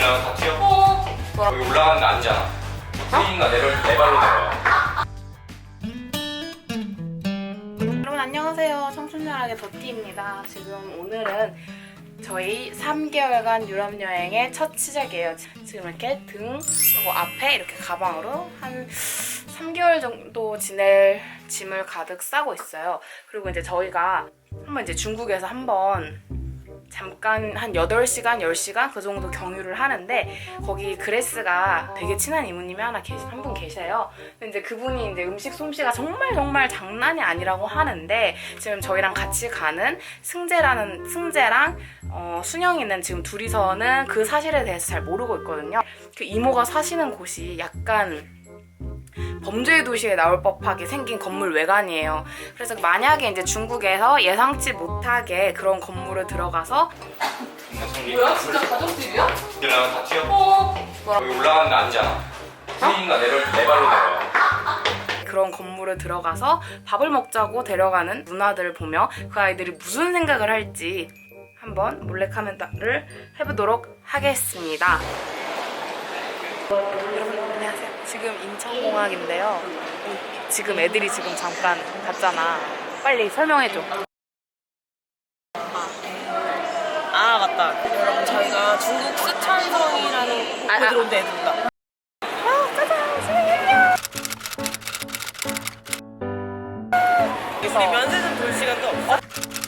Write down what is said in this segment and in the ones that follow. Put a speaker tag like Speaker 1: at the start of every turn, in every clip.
Speaker 1: 그냥 다 튀어. 여기 올라가는 거 아니잖아. 트레이닝가 내 발로 내려와.
Speaker 2: 여러분 안녕하세요. 청춘연락의 더티입니다. 지금 오늘은 저희 3개월간 유럽 여행의 첫 시작이에요. 지금 이렇게 등하고 앞에 이렇게 가방으로 한 3개월 정도 지낼 짐을 가득 싸고 있어요. 그리고 이제 저희가 한번 이제 중국에서 한번 잠깐 한 8시간, 10시간 그 정도 경유를 하는데 거기 그레스가 되게 친한 이모님이 한 분 계세요. 근데 이제 그분이 이제 음식 솜씨가 정말 장난이 아니라고 하는데 지금 저희랑 같이 가는 승재랑 순영이는 지금 둘이서는 그 사실에 대해서 잘 모르고 있거든요. 그 이모가 사시는 곳이 약간 범죄의 도시에 나올 법하게 생긴 건물 외관이에요. 그래서 만약에 이제 중국에서 예상치 못하게 그런 건물을 들어가서
Speaker 3: 뭐야? 진짜 가족들이야?
Speaker 1: 올라가면 다 튀어. 여기 올라가는 거 아니잖아. 트레이닝가 내 발로 내려와.
Speaker 2: 그런 건물을 들어가서 밥을 먹자고 데려가는 누나들을 보며 그 아이들이 무슨 생각을 할지 한번 몰래카메라를 해보도록 하겠습니다. 여러분 안녕하세요. 지금 인천공항인데요. 지금 애들이 지금 잠깐 갔잖아. 빨리 설명해줘.
Speaker 3: 아 맞다. 여러분 저희가 중국 쓰촨성이라는 곳에 들어온 데 애들다. 우리 면세점 볼 시간도 없어?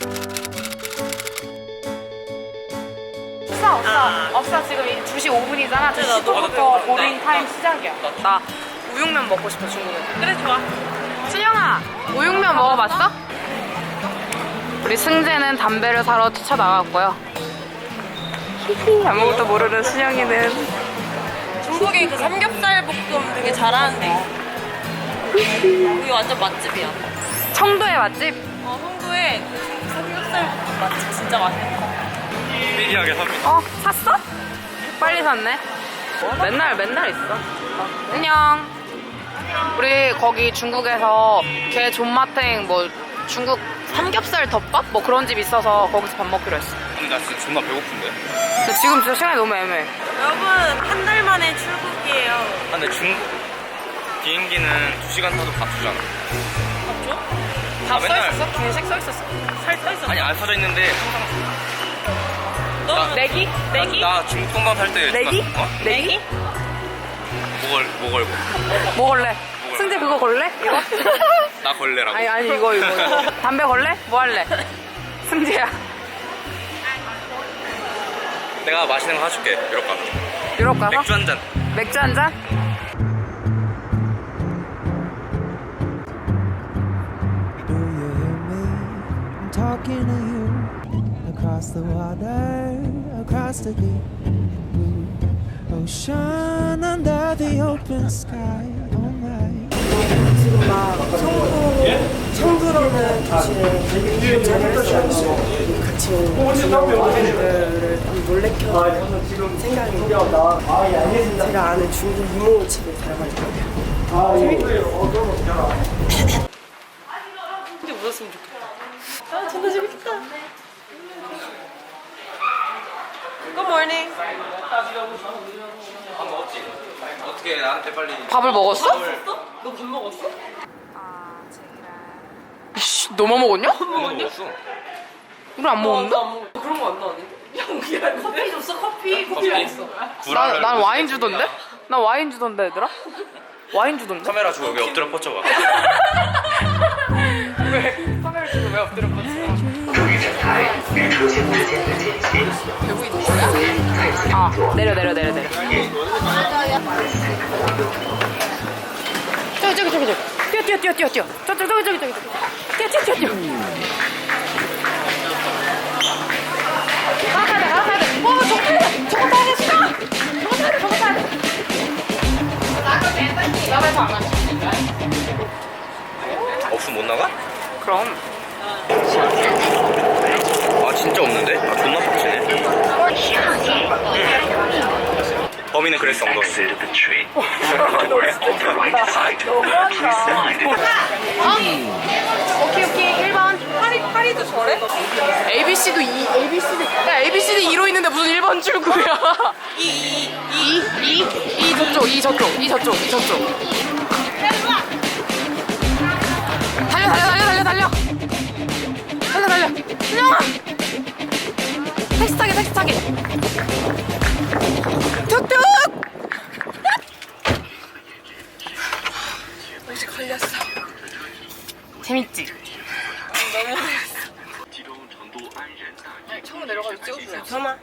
Speaker 2: 없어. 지금 2시 5분이잖아.
Speaker 3: 그래, 나도
Speaker 2: 2시부터 보링
Speaker 3: 먹을래.
Speaker 2: 타임 시작이야. 나 우육면 먹고 싶어, 중국에서.
Speaker 3: 그래 좋아.
Speaker 2: 순영아, 우육면 먹어봤어? 우리 승재는 담배를 사러 뛰쳐나갔고요. 히히, 아무것도 모르는 순영이는
Speaker 3: 중국에 그 삼겹살 볶음 되게 잘하는데 여기 완전 맛집이야.
Speaker 2: 청도의 맛집?
Speaker 3: 성도에 그 중국 삼겹살 볶음 맛집 진짜 맛있어.
Speaker 1: 미리하게 삽니다.
Speaker 2: 샀어? 빨리 샀네. 맨날 있어. 안녕. 우리 거기 중국에서 게 존맛탱 뭐 중국 삼겹살 덮밥? 뭐 그런 집 있어서 거기서 밥 먹기로 했어.
Speaker 1: 근데 나 진짜 존나 배고픈데.
Speaker 2: 근데 지금 진짜 시간이 너무 애매해.
Speaker 3: 여러분 한 달 만에 출국이에요.
Speaker 1: 아, 근데 중국 비행기는 2시간 타도 밥 주잖아.
Speaker 3: 맞죠?
Speaker 1: 아, 맨날
Speaker 2: 써있었어? 중식 써있었어.
Speaker 3: 살 써있어.
Speaker 1: 아니 안 써져 있는데 항상
Speaker 3: 너
Speaker 2: 내기?
Speaker 1: 나 중국 동방 살때
Speaker 2: 내기?
Speaker 3: 내기?
Speaker 1: 뭐 걸고?
Speaker 2: 뭐 걸래? 승재 그거 걸래? 이거?
Speaker 1: 나 걸레라고.
Speaker 2: 아니 이거. 담배 걸래? 뭐 할래? 승재야.
Speaker 1: 내가 맛있는 거 사줄게. 유럽 가서.
Speaker 2: 유럽 가서?
Speaker 1: 맥주 한 잔.
Speaker 2: 맥주 한 잔?
Speaker 4: Do you hear me? I'm talking to you across the water, across the deep blue ocean, under the open sky. All night.
Speaker 5: 지금 막 청두라는 도시에 자리를 쓰고 같이 온 중국 아이들을 좀 놀래켜 생각이 제가 아는 중국 이모 집에 살아가지고
Speaker 3: 근데 웃었으면 좋겠다. 아 존나 재밌겠다. Good morning.
Speaker 1: 밥 먹었지? 어떻게 나한테 빨리
Speaker 2: 밥을 먹었어?
Speaker 3: 너 밥 먹었어?
Speaker 2: 이씨, 너만 먹었냐?
Speaker 1: 먹었어?
Speaker 2: 우리 안 먹었는데?
Speaker 3: 그런 거 안 나왔는데? 야 커피 줬어 커피 줬어.
Speaker 2: 난 와인 주던데? 난 와인 주던데 얘들아? 와인 주던데?
Speaker 1: 카메라 주고 여기 엎드려 뻗쳐봐.
Speaker 2: 카메라 주고 왜 엎드려 뻗쳐?
Speaker 6: 되고 있는 거야?
Speaker 2: 아 내려 저기 뛰어 저기 뛰어 가야 돼 저거 타야 돼 저거 타야 돼 나가서 안 하지
Speaker 1: 없으면 못 나가?
Speaker 2: 그럼
Speaker 1: 아 진짜 없는데? 아 존나 빡치네. 범인은 그랬어 엉덩이.
Speaker 2: 오케이 1번
Speaker 3: 파리도 저래?
Speaker 2: ABC도 2, ABC도 야 ABC도 2로 있는데 무슨 1번 출구야? 2 저쪽, 2 저쪽, 2 저쪽, 2 저쪽. 달려. 신영아. 택시 타게. 툭툭.
Speaker 3: 혹시 걸렸어?
Speaker 2: 재밌지?
Speaker 3: 처음 내려가서 찍어줄래? 잠깐만.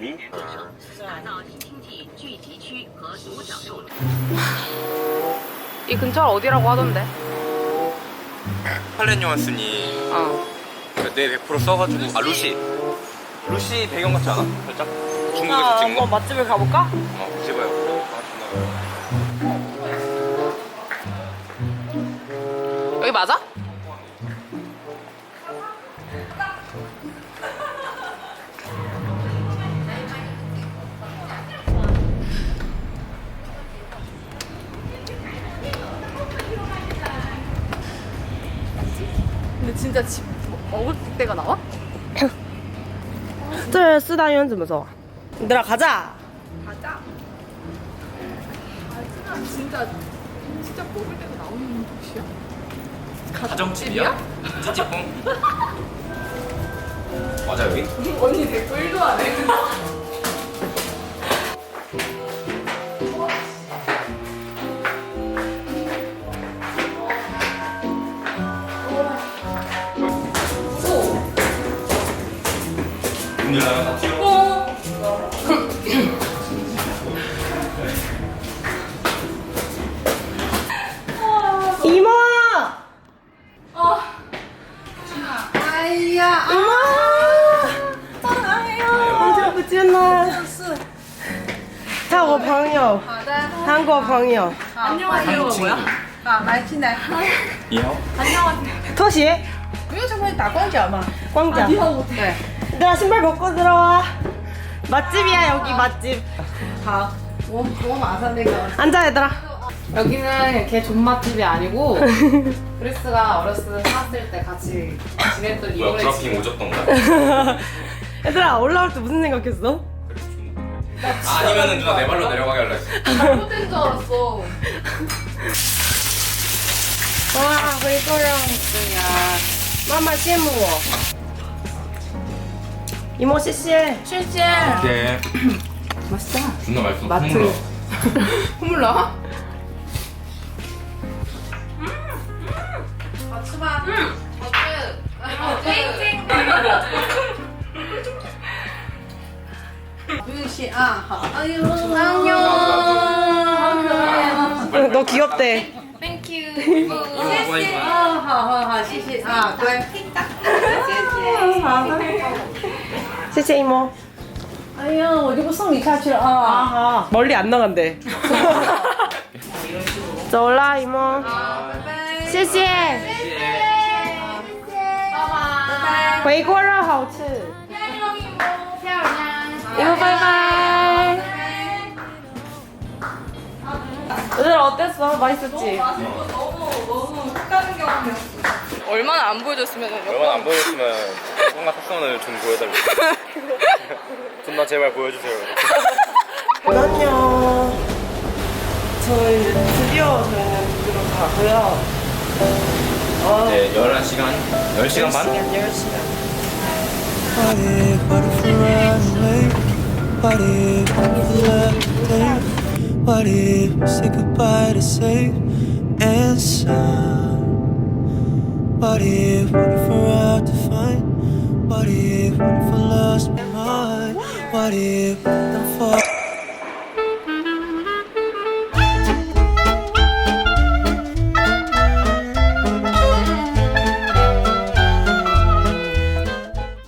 Speaker 2: 이 근처가 어디라고 하던데?
Speaker 1: 팔렌 요한슨이
Speaker 2: 어.
Speaker 1: 내 100% 써가지고 루시 배경 같지 않아? 살짝? 중국에서 찍은 거?
Speaker 3: 한번 맛집을 가볼까?
Speaker 1: 찍어요.
Speaker 2: 여기 맞아? 근데 진짜 집 먹을 때가 나와?
Speaker 3: 这四大院怎么走？ 얘들아 가자.
Speaker 2: 진짜 먹을 때가 나오는 도시야?
Speaker 1: 가정집이야? 찌찌뽕? 맞아 여기?
Speaker 2: 언니 댓글 1도 안 해.
Speaker 3: 이모!我不见了。他我朋友，韩国朋友。
Speaker 2: 안녕하세요가 뭐야?
Speaker 1: 이요?
Speaker 3: 拖鞋，
Speaker 5: 이거 저번에 다 공짜마.
Speaker 3: 광장.
Speaker 2: 네.
Speaker 3: 얘들아 신발 벗고 들어와. 맛집이야 여기 맛집.
Speaker 5: 好，我马上那个。
Speaker 3: 앉아 얘들아.
Speaker 2: 여기는 걔 존맛집이 아니고 그리스가 어렸을 때 살았을 때 같이 지냈던
Speaker 1: 뭐야
Speaker 2: 이모네 집.
Speaker 1: 브라핑 오졌던 거야?
Speaker 3: 얘들아 올라올 때 무슨 생각했어?
Speaker 1: 아니면은 누나 내 발로 내려가게 할라 했어.
Speaker 2: 잘못된 줄 알았어.
Speaker 3: 와, 回个人呀，妈妈羡慕我。이모 씨씨.
Speaker 2: 실제
Speaker 1: 이렇게
Speaker 2: 맛있다.
Speaker 1: 존나 맛있어.
Speaker 2: 마트.
Speaker 1: 콧물
Speaker 2: 콧물 나와? 같이 봐. 땡땡.
Speaker 5: 유시 아, 好. 아유,
Speaker 2: 안녕.
Speaker 3: 너 귀엽대.
Speaker 2: 땡큐.
Speaker 5: 啊，好，谢谢啊，乖，谢谢。
Speaker 3: 씨씨 이모.
Speaker 5: 哎呀，我就不送你下去了啊。
Speaker 3: 아, 멀리 안 나간대. 走啦 이모. 谢谢.回锅肉好吃. 이모 바이바이. 얘들아 어땠어? 맛있었지?
Speaker 2: 얼마나 안 보여줬으면
Speaker 1: 얼마나 안 보여줬으면 뭔가 탑선을 좀 보여달래. 존나 제발 보여주세요.
Speaker 3: 안녕. 저희 드디어 저희는 집으로 가고요.
Speaker 1: 이제 11시간? 10시간 반?
Speaker 3: 10시간.
Speaker 4: What if we run away? What if we left there? What if we say goodbye to safe and sound? What if we're out to find? What if I lost my mind? What if I'm falling?